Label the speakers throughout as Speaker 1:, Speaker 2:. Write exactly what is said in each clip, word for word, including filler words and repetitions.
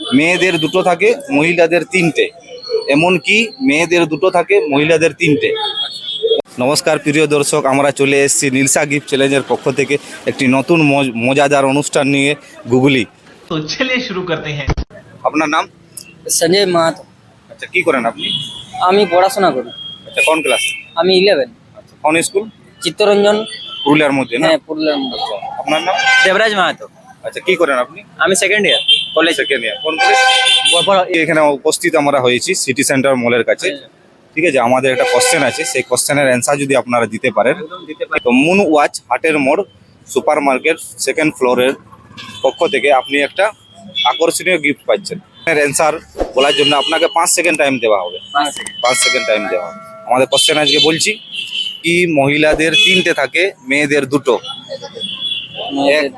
Speaker 1: মেয়েদের দুটো থাকে মহিলাদের তিনটে, এমনকি মেয়েদের দুটো থাকে মহিলাদের তিনটে। নমস্কার প্রিয় দর্শক, আমরা চলে এসেছি নীলসা গিফট চ্যালেঞ্জের পক্ষ থেকে একটি নতুন মজাদার অনুষ্ঠান নিয়ে, গুগলি।
Speaker 2: তো চলিয়ে শুরু করতে হ্যাঁ।
Speaker 1: আপনার নাম?
Speaker 3: সঞ্জয় মাহাতো।
Speaker 1: আচ্ছা, কি করেন আপনি?
Speaker 3: আমি পড়াশোনা করি।
Speaker 1: আচ্ছা, কোন ক্লাস?
Speaker 3: আমি ইলেভেন।
Speaker 1: আচ্ছা, কোন স্কুল?
Speaker 3: চিত্তরঞ্জন,
Speaker 1: পুরুলিয়ার মধ্যে না?
Speaker 3: হ্যাঁ পুরুলিয়ার মধ্যে।
Speaker 1: আপনার নাম?
Speaker 3: দেবরাজ মাহাতো।
Speaker 1: আচ্ছা, কি করেন আপনি?
Speaker 3: আমি second year college.
Speaker 1: Second year, কোন কলেজ? এখানে উপস্থিত আমরা হয়েছি সিটি সেন্টার মলের কাছে। ঠিক আছে, আমাদের একটা কোশ্চেন আছে, সেই কোশ্চেনের অ্যান্সার যদি আপনারা দিতে পারেন তো মুন ওয়াচ হাটের মোড় সুপার মার্কেট সেকেন্ড ফ্লোরের পক্ষ থেকে আপনি একটা আকর্ষণীয় গিফট পাচ্ছেন। অ্যান্সার বলার জন্য আপনাকে পাঁচ সেকেন্ড টাইম দেওয়া হবে। পাঁচ সেকেন্ড টাইম দেওয়া হবে। আমাদের কোশ্চেন আজকে বলছি, কি মহিলাদের তিনটে থাকে মেয়েদের দুটো? এক,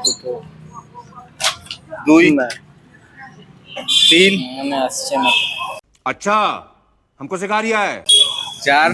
Speaker 1: দুই, তিন,
Speaker 3: মনে আসছে না।
Speaker 4: अच्छा हमको सिखा रिया है।
Speaker 1: চার,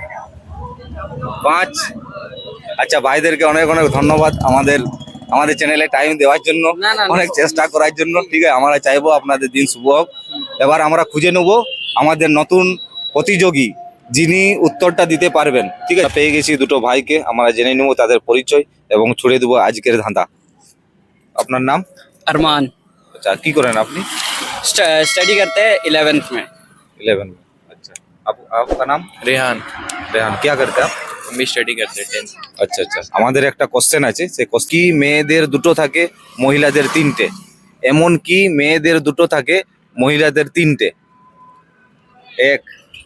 Speaker 1: পাঁচ। আচ্ছা, ভাইদেরকে অনেক অনেক ধন্যবাদ আমাদের আমাদের চ্যানেলে টাইম দেওয়ার জন্য,
Speaker 3: না, না, না।
Speaker 1: অনেক চেষ্টা করার জন্য। ঠিক আছে, আমরা চাইবো আপনাদের দিন শুভ হোক। এবার আমরা খুঁজে নেব আমাদের নতুন প্রতিযোগী, যিনি উত্তরটা দিতে পারবেন। ঠিক আছে, পেয়ে গেছি দুটো ভাইকে, আমরা জেনে নেব তাদের পরিচয় এবং ছুড়ে দেবো আজকের ধাঁধা। আপনার নাম?
Speaker 3: अरमान।
Speaker 1: আচ্ছা, কি করেন আপনি?
Speaker 3: स्टडी करते हैं इलेवेंथ में।
Speaker 1: इलेवन में। अच्छा, आप आपका नाम?
Speaker 5: रेहान।
Speaker 1: रेहान, क्या करते हैं आप?
Speaker 5: हम भी स्टडी करते हैं टेंथ।
Speaker 1: আচ্ছা আচ্ছা, আমাদের একটা কোশ্চেন আছে, সেই কোশ্চেন, কি মেয়েদের দুটো থাকে মহিলাদের তিনটে? এমন কি মেয়েদের দুটো থাকে মহিলাদের তিনটে? এক,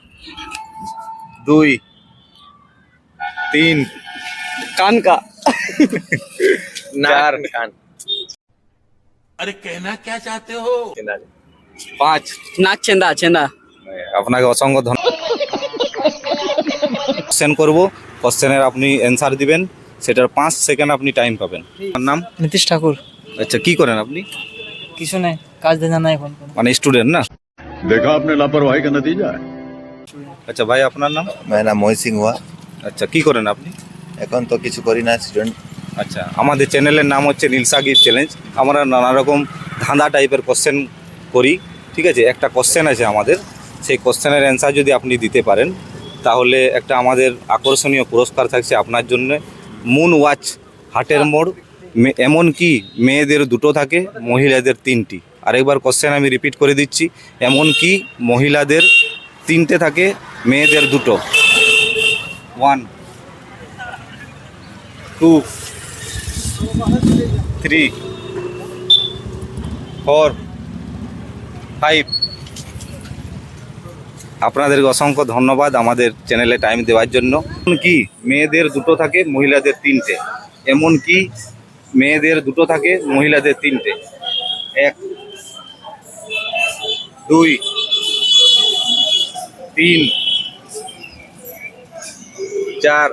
Speaker 1: দুই, তিন,
Speaker 3: कान का।
Speaker 1: চার,
Speaker 5: कान।
Speaker 4: अरे कहना क्या चाहते हो?
Speaker 1: পাঁচ।
Speaker 3: नाक चेंदा चेंदा।
Speaker 1: আপনাকে অসংখ্য ধন্যবাদ। কোশ্চেন করবো, কোশ্চেনের আপনি অ্যান্সার দিবেন, সেটার পাঁচ সেকেন্ড আপনি টাইম পাবেন। আপনার নাম?
Speaker 3: नीतीश ठाकुर।
Speaker 1: আচ্ছা, কি করেন আপনি?
Speaker 3: কিছু নাই, কাজ দেনা নাই এখন।
Speaker 1: মানে স্টুডেন্ট না?
Speaker 6: देखा आपने लापरवाही का नतीजा है।
Speaker 1: আচ্ছা ভাই, আপনার নাম?
Speaker 7: मेरा नाम मोहित सिंह हुआ।
Speaker 1: আচ্ছা, কি করেন আপনি?
Speaker 7: এখন তো কিছু করি না, স্টুডেন্ট।
Speaker 1: আচ্ছা, আমাদের চ্যানেলের নাম হচ্ছে নীলসা গিফট চ্যালেঞ্জ। আমরা নানা রকম ধাঁধা টাইপের কোশ্চেন করি। ঠিক আছে, একটা কোশ্চেন আছে আমাদের, সেই কোশ্চেনের অ্যান্সার যদি আপনি দিতে পারেন তাহলে একটা আমাদের আকর্ষণীয় পুরস্কার থাকছে আপনার জন্য। মুন ওয়াচ হাটের মোড়, মে- এমন কি মেয়েদের দুটো থাকে মহিলাদের তিনটি। আরেকবার কোশ্চেন আমি রিপিট করে দিচ্ছি, এমন কি মহিলাদের তিনটে থাকে মেয়েদের দুটো। One, two, three, four, five. আপনাদেরকে অসংখ্য ধন্যবাদ আমাদের চ্যানেলে টাইম দেওয়ার জন্য। এমন কি মেয়েদের দুটো থাকে মহিলাদের তিনটে? এমন কি মেয়েদের দুটো থাকে মহিলাদের তিনটে? এক, দুই, তিন, চার,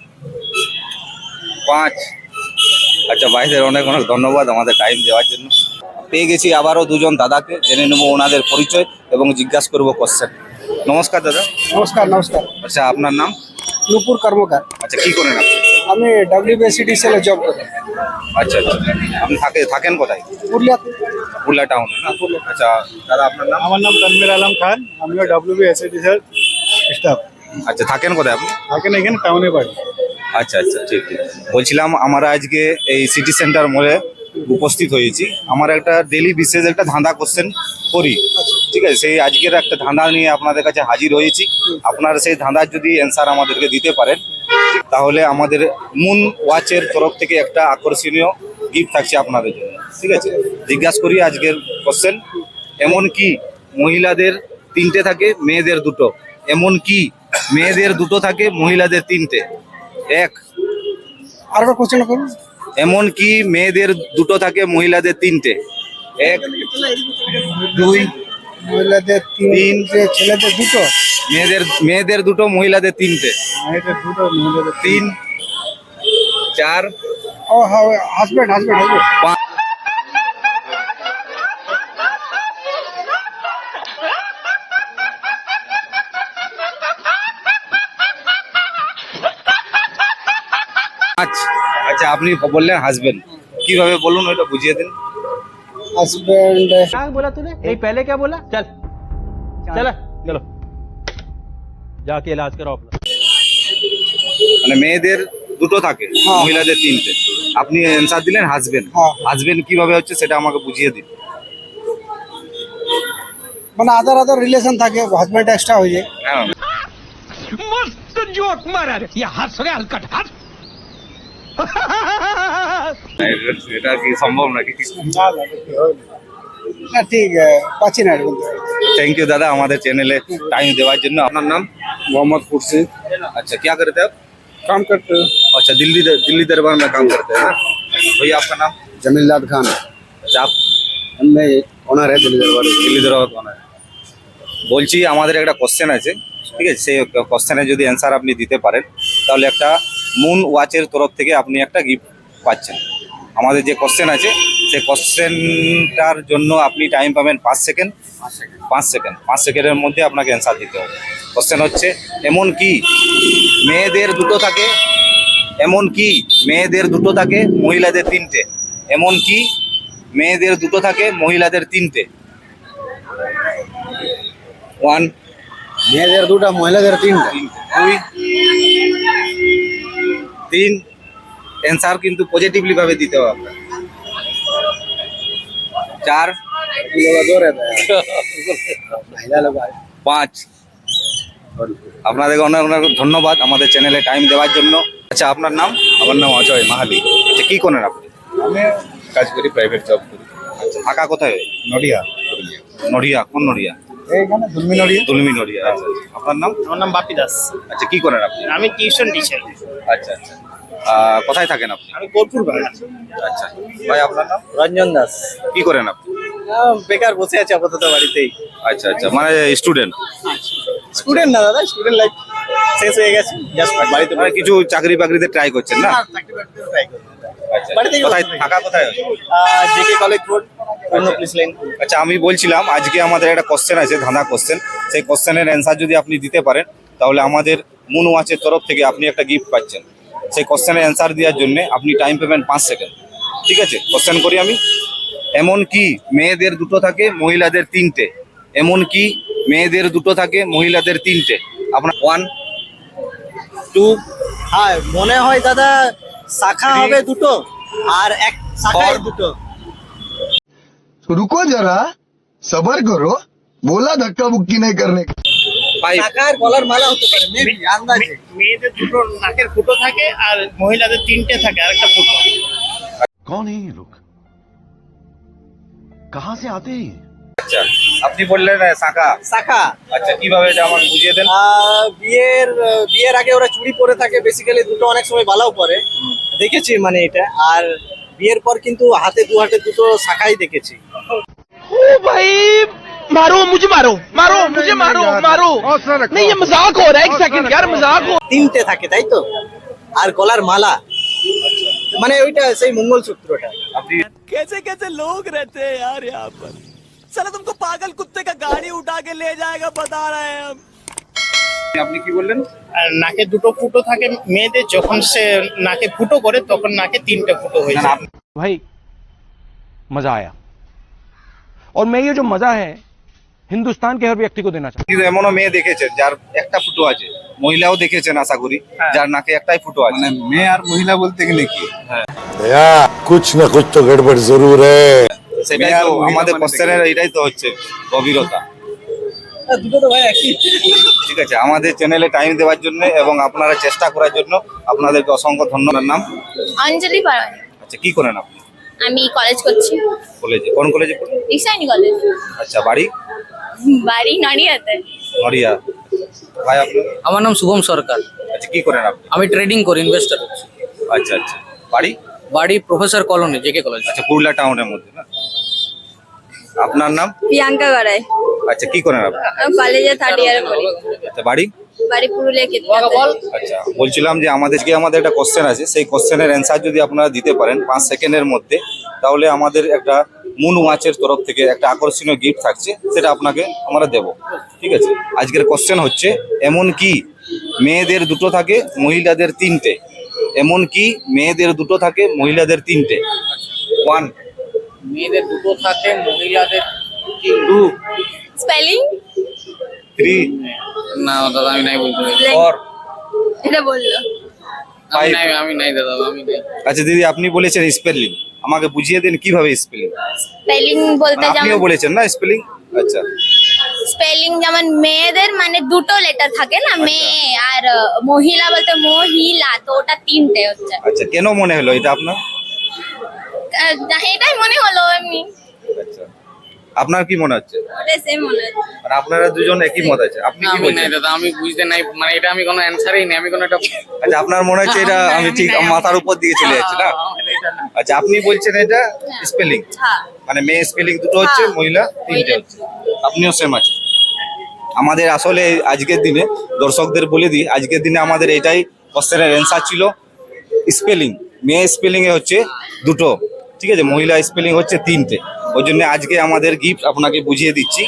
Speaker 1: পাঁচ। আচ্ছা, ভাইদের অনেক অনেক ধন্যবাদ আমাদের টাইম দেওয়ার জন্য। পেয়ে গেছি আবারও দুজন দাদাকে, জেনে নেবো ওনাদের পরিচয় এবং জিজ্ঞাসা করবো কোশ্চেন। নমস্কার দাদা।
Speaker 8: নমস্কার নমস্কার
Speaker 1: আচ্ছা, আপনার নাম?
Speaker 8: নুপুর কর্মকার।
Speaker 1: আচ্ছা, কি করেন আপনি?
Speaker 8: আমি ডব্লিউবিএসিডিসিএল এ জব করি
Speaker 1: আচ্ছা আচ্ছা, আপনি থাকে থাকেন কোথায়?
Speaker 8: পুরুলিয়াতে।
Speaker 1: পুরুলিয়া টাউনে না? আচ্ছা দাদা, আপনার নাম?
Speaker 8: আমার নাম তানভীর আলম খান, আমিও ডব্লিউবিএসিডিসিএল স্টাফ।
Speaker 1: আচ্ছা, থাকেন কোথায় আপনি?
Speaker 8: থাকেন এখানে টাউনে বাড়ি।
Speaker 1: আচ্ছা আচ্ছা, ঠিক ঠিক। বলছিলাম, আমরা আজকে এই সিটি সেন্টার মোড়ে উপস্থিত হয়েছি। আমার একটা ডেলি বিশেষ একটা ধাঁধা কোশ্চেন করি। ঠিক আছে, সেই আজকের একটা ধাঁধা নিয়ে আপনাদের কাছে হাজির হয়েছি। আপনারা সেই ধাঁধার যদি অ্যান্সার আমাদেরকে দিতে পারেন তাহলে আমাদের মুন ওয়াচের তরফ থেকে একটা আকর্ষণীয় গিফট থাকছে আপনাদের জন্য। ঠিক আছে, জিজ্ঞাসা করি আজকের কোশ্চেন, এমন কি মহিলাদের তিনটে থাকে মেয়েদের দুটো? এমন কি মেয়েদের দুটো থাকে মহিলাদের তিনটে? এক,
Speaker 8: আর একটা কোশ্চেন করুন।
Speaker 1: এমন কি মেয়েদের দুটো থাকে মহিলাদের তিনটে? এক, দুই,
Speaker 8: মহিলাদের
Speaker 1: তিন।
Speaker 8: তিনটে, ছেলেদের দুটো।
Speaker 1: মেয়েদের মেয়েদের দুটো মহিলাদের তিনটে।
Speaker 8: মেয়েদের দুটো, মহিলাদের
Speaker 1: তিন, চার,
Speaker 8: ও হ্যাঁ, হাজবেন্ড হাজবেন্ড হাজবেন্ড
Speaker 1: পাঁচ। আচ্ছা, আপনি বললেন হাজবেন্ড, কিভাবে বলুন ওইটা বুঝিয়ে দিন।
Speaker 8: हस्बैंड
Speaker 5: क्या बोला तूने नहीं पहले क्या बोला चल चला चलो जाके इलाज करो अपना
Speaker 1: মানে মেয়েদের দুটো থাকে,
Speaker 8: হ্যাঁ।
Speaker 1: মহিলাদের তিনটে। আপনি অ্যান্সার দিলেন হাজবেন্ড।
Speaker 8: হ্যাঁ।
Speaker 1: হাজবেন্ড কিভাবে হচ্ছে সেটা আমাকে বুঝিয়ে দিন।
Speaker 8: মানে আদার আদার রিলেশন থাকে, হাজব্যান্ড এক্সট্রা হয়ে যায়।
Speaker 1: হ্যাঁ,
Speaker 5: मस्त जोक मारा रे ये हंस रहे हलकट हंस
Speaker 1: এটা কি সম্ভব নাকি?
Speaker 8: না ঠিক পাচ্ছি না বলতে।
Speaker 1: থ্যাংক ইউ দাদা আমাদের চ্যানেলে টাইম দেওয়ার জন্য। আপনার নাম?
Speaker 8: मोहम्मद खुर्शीद,
Speaker 1: अच्छा, क्या करते हैं आप?
Speaker 8: काम करते हैं।
Speaker 1: अच्छा, दिल्ली दिल्ली दरबार में काम करते हैं ना? भैया आपका नाम?
Speaker 8: जमीलदाद खान,
Speaker 1: अच्छा, आप
Speaker 8: मैं ओनर है दिल्ली दरबार।
Speaker 1: দিল্লি দরবার কোন? বলছি আমাদের একটা কোশ্চেন আছে, ঠিক আছে? সেই কোশ্চেনে যদি অ্যান্সার আপনি দিতে পারেন তাহলে একটা মুন ওয়াচের তরফ থেকে আপনি একটা গিফট পাচ্ছেন। আমাদের যে কোশ্চেন আছে সেই কোশ্চেনটার জন্য আপনি টাইম পাবেন পাঁচ সেকেন্ড। পাঁচ সেকেন্ড পাঁচ সেকেন্ডের মধ্যে আপনাকে অ্যান্সার দিতে হবে। কোশ্চেন হচ্ছে, এমন কি মেয়েদের দুটো থাকে, এমন কি মেয়েদের দুটো থাকে মহিলাদের তিনটে, এমন কি মেয়েদের দুটো থাকে মহিলাদের তিনটে। ওয়ান,
Speaker 8: মেয়েদের দুটা, মহিলাদের তিনটা।
Speaker 1: দুই, তিন। অ্যান্সার কিন্তু পজিটিভলি ভাবে দিতে হবে আপনার। চার, পাঁচ। আপনাদেরকে অনেক অনেক ধন্যবাদ আমাদের চ্যানেলে টাইম দেওয়ার জন্য। আচ্ছা, আপনার নাম?
Speaker 9: আমার নাম অজয় মাহালি।
Speaker 1: আচ্ছা, কি করেন আপনি?
Speaker 9: আমি কাজ করি, প্রাইভেট জব করি।
Speaker 1: আচ্ছা, থাকা কোথায়?
Speaker 9: নডিয়া।
Speaker 1: নড়িয়া। কোন নড়িয়া?
Speaker 8: এইখানে দুলমি নড়িয়া।
Speaker 1: দুলমি নড়িয়া। আচ্ছা, আচ্ছা। আপনার নাম?
Speaker 5: আমার নাম বাপি দাস
Speaker 1: আচ্ছা, কি করেন আপনি?
Speaker 5: আমি টিউশন টিচার
Speaker 1: আচ্ছা, আচ্ছা। আহ, কোথায় থাকেন আপনি?
Speaker 5: আমি বোলপুর বাগান
Speaker 1: আচ্ছা, ভাই আপনার নাম?
Speaker 3: রঞ্জন দাস
Speaker 1: কি করেন আপনি?
Speaker 3: বেকার বসে আছে আপাতত বাড়িতেই
Speaker 1: আচ্ছা, আচ্ছা, মানে স্টুডেন্ট?
Speaker 3: স্টুডেন্ট না দাদা স্টুডেন্ট লাইফ শেষ হয়ে গেছে জাস্ট বাড়িতে
Speaker 1: মানে কিছু চাকরি বাকরিতে ট্রাই করছেন না? আচ্ছা,
Speaker 3: বাড়ি থেকে
Speaker 1: কোথায় থাকা কোথায়?
Speaker 3: জেকে কলেজ রোড অন্য প্লেস লাইন
Speaker 1: আচ্ছা, আমি বলছিলাম আজকে আমাদের একটা কোশ্চেন আছে, ধাঁধা কোশ্চেন। সেই কোশ্চেনের অ্যান্সার যদি আপনি দিতে পারেন তাহলে আমাদের মুন ওয়াচের তরফ থেকে আপনি একটা গিফট পাচ্ছেন। সেই কোশ্চেনের অ্যান্সার দেওয়ার জন্য আপনি টাইম পাবেন পাঁচ সেকেন্ড। ঠিক আছে, কোশ্চেন করি আমি। এমন কি মেয়েদের দুটো থাকে মহিলাদের তিনটে, এমন কি মেয়েদের দুটো থাকে মহিলাদের তিনটে। আপনার ওয়ান, টু,
Speaker 3: হ্যাঁ মনে হয় দাদা শাখা হবে দুটো আর এক শাখায় দুটো
Speaker 10: रुको जरा सबर करो बोला धक्का मुक्की नहीं करने का।
Speaker 1: ফাইভ।
Speaker 3: শাখার গলার মালা হতে পারে মেবি আন্দাজে
Speaker 5: মেয়েদের দুটো নাকের ফুটো থাকে আর মহিলাদের তিনটে থাকে আর একটা ফুটো
Speaker 6: कौन है ये लोग, कहाँ से आते हैं?
Speaker 1: আচ্ছা, আপনি বললেন আহ, শাখা।
Speaker 3: শাখা
Speaker 1: আচ্ছা, কিভাবে এটা আমাকে বুঝিয়ে দেন।
Speaker 3: আহ, বিয়ের আহ, বিয়ের আগে ওরা চুড়ি পরে থাকে বেসিক্যালি দুটো অনেক সময় বালাও পরে দেখেছি মানে এটা আর বিয়ের পর কিন্তু হাতে দু হাতে দুটো শাখাই দেখেছি
Speaker 5: ओ भाई मारो मुझे मारो मारो मुझे मारो मारो नहीं ये मजाक हो रहा है एक सेकंड यार मजाक हो
Speaker 3: তিনটে থাকে তাই তো আর গলার মালা মানে ওইটা সেই মঙ্গলসূত্রটা
Speaker 1: আপনি
Speaker 5: कैसे कैसे लोग रहते हैं यार यहाँ पर चलो तुमको पागल कुत्ते का गाड़ी उठा के ले जाएगा बता रहे हैं हम
Speaker 1: আপনি কি বললেন?
Speaker 5: আর নাকে দুটো ফুটো থাকে মেয়েদের যখন সে নাকে ফুটো করে তখন নাকে তিনটে ফুটো হয়ে
Speaker 1: না, না,
Speaker 5: যায়
Speaker 1: আপনি-
Speaker 5: भाई मजा आया और मैं ये जो मजा है हिंदुस्तान के हर व्यक्ति को देना चाहता
Speaker 1: কিন্তু এমনও মেয়ে দেখেছেন যার একটা ফুটো আছে, মহিলাও দেখেছেন আশা করি যার নাকে একটাই ফুটো আছে।
Speaker 8: মানে মেয়ে আর মহিলা বলতে গেলে কি?
Speaker 10: कुछ न कुछ तो गड़बड़ जरूर है।
Speaker 1: সেটাই
Speaker 8: মেয়ে আর
Speaker 1: তো
Speaker 8: মহিলা
Speaker 1: আমাদের
Speaker 8: মানে
Speaker 1: কোশ্চেনের এটাই তো হচ্ছে গভীরতা।
Speaker 3: দুটো তো ভাই একই
Speaker 1: ঠিক আছে, আমাদের চ্যানেলে টাইম দেওয়ার জন্য এবং আপনারা চেষ্টা করার জন্য আপনাদেরকে অসংখ্য ধন্যবাদ। নাম?
Speaker 11: অঞ্জলি পারানি।
Speaker 1: আচ্ছা, কি করেন আপনি?
Speaker 11: আমি কলেজ করছি
Speaker 1: কলেজে? কোন কলেজে পড়েন?
Speaker 11: রিসাইনি কলেজ
Speaker 1: আচ্ছা, বাড়ি?
Speaker 11: বাড়ি নড়িয়াতে।
Speaker 1: নড়িয়া। ভাই আপনার?
Speaker 3: আমার নাম শুভম সরকার
Speaker 1: আচ্ছা, কি করেন আপনি?
Speaker 3: আমি ট্রেডিং করি ইনভেস্টর
Speaker 1: আচ্ছা, আচ্ছা, বাড়ি?
Speaker 3: বাড়ি প্রফেসর কলোনি জেকে কলেজ
Speaker 1: আচ্ছা, পুরুলিয়া টাউনের মধ্যে না? আপনার নাম?
Speaker 11: প্রিয়াঙ্কা গড়াই।
Speaker 1: আচ্ছা, কি করেন আপনি?
Speaker 11: কলেজে থার্ড ইয়ারে পড়ি।
Speaker 1: আচ্ছা, বাড়ি?
Speaker 11: বাড়ি পুরুলিয়া কেতকাতে।
Speaker 1: আচ্ছা, বলছিলাম যে আমাদের যে আমাদের একটা কোশ্চেন আছে সেই কোশ্চেনের অ্যান্সার যদি আপনারা দিতে পারেন পাঁচ সেকেন্ডের মধ্যে তাহলে আমাদের একটা মুন ওয়াচের তরফ থেকে একটা আকর্ষণীয় গিফট থাকছে, সেটা আপনাকে আমরা দেব। ঠিক আছে, আজকের কোশ্চেন হচ্ছে, এমন কি মেয়েদের দুটো থাকে মহিলাদের তিনটে, এমন কি মেয়েদের দুটো থাকে মহিলাদের তিনটে। ওয়ান,
Speaker 3: মেয়েদের দুটো থাকে মহিলাদের
Speaker 1: টু
Speaker 11: স্পেলিং
Speaker 1: থ্রি
Speaker 3: না দাদা আমি নাই বলতে পারি
Speaker 1: ফোর
Speaker 11: এটা বললো
Speaker 1: ফাইভ
Speaker 3: আমি নাই দাদা আমি নাই
Speaker 1: আচ্ছা দিদি আপনি বলেছেন স্পেলিং আমাকে বুঝিয়ে দিন কিভাবে স্পেলিং
Speaker 11: স্পেলিং বলতে
Speaker 1: আপনিও
Speaker 11: যেমন
Speaker 1: বলেছেন না স্পেলিং আচ্ছা
Speaker 11: স্পেলিং যেমন মেয়েদের মানে দুটো লেটার থাকে না মেয়ে আর আহ, মহিলা বলতে মহিলা তো ওটা তিনটে হচ্ছে
Speaker 1: আচ্ছা কেন মনে হলো এটা আপনার
Speaker 11: আহ, এটাই মনে হলো এমনি
Speaker 1: আচ্ছা আপনার কি মনে হচ্ছে
Speaker 11: ওটাই সেম মনে হচ্ছে
Speaker 1: মানে আপনারা দুজন একই মত আছে আপনি কি
Speaker 3: আমি নাই
Speaker 1: বলছেন
Speaker 3: দাদা আমি বুঝতে নাই মানে এটা আমি কোনো অ্যানসারই নেই আমি কোনো একটা
Speaker 1: আচ্ছা আপনার মনে হচ্ছে এটা আমি ঠিক মাথার উপর দিয়ে চলে যাচ্ছে না আচ্ছা আপনি বলছেন এটা স্পেলিং
Speaker 11: হ্যাঁ
Speaker 1: মানে মেয়ে স্পেলিং দুটো হচ্ছে
Speaker 11: হ্যাঁ।
Speaker 1: মহিলা তিনটে
Speaker 11: মহিলা।
Speaker 1: হচ্ছে আপনিও সেম আছে আমাদের আসলে আজকের দিনে দর্শকদের বলে দিই আজকের দিনে আমাদের এটাই কোশ্চেনের অ্যান্সার ছিল স্পেলিং মেয়ে স্পেলিং এ হচ্ছে দুটো ঠিক আছে মহিলা স্পেলিং হচ্ছে তিনটে ওই জন্য আজকে আমাদের গিফট আপনাকে বুঝিয়ে দিচ্ছি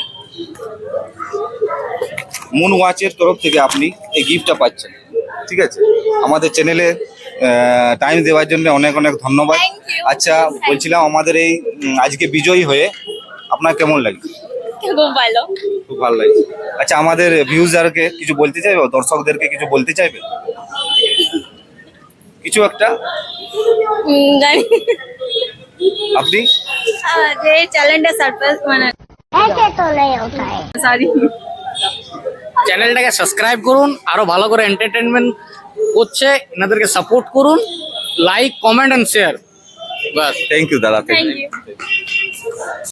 Speaker 1: মুন ওয়াচের তরফ থেকে আপনি এই গিফটটা পাচ্ছেন ঠিক আছে আমাদের চ্যানেলে টাইম দেওয়ার জন্য অনেক অনেক ধন্যবাদ
Speaker 11: Thank you.
Speaker 1: আচ্ছা বলছিলাম আমাদের এই উম, আজকে বিজয়ী হয়ে আপনার কেমন লাগছে
Speaker 11: খুব ভালো
Speaker 1: খুব ভালো লাগছে আচ্ছা আমাদের ভিউজারকে কিছু বলতে চাইবে দর্শকদেরকে কিছু বলতে চাইবে কিছু একটা
Speaker 11: উম, জানি
Speaker 1: আপনি
Speaker 11: আহ, যে চ্যালেঞ্জটা সারপ্রাইজ মানে সরি
Speaker 3: চ্যানেলটাকে সাবস্ক্রাইব করুন আরো ভালো করে এন্টারটেনমেন্ট করছে এনাদেরকে সাপোর্ট করুন লাইক কমেন্ট এন্ড শেয়ার বাস
Speaker 1: থ্যাংক ইউ দাদা
Speaker 11: থ্যাংক
Speaker 1: থ্যাংক
Speaker 11: ইউ
Speaker 1: ইউ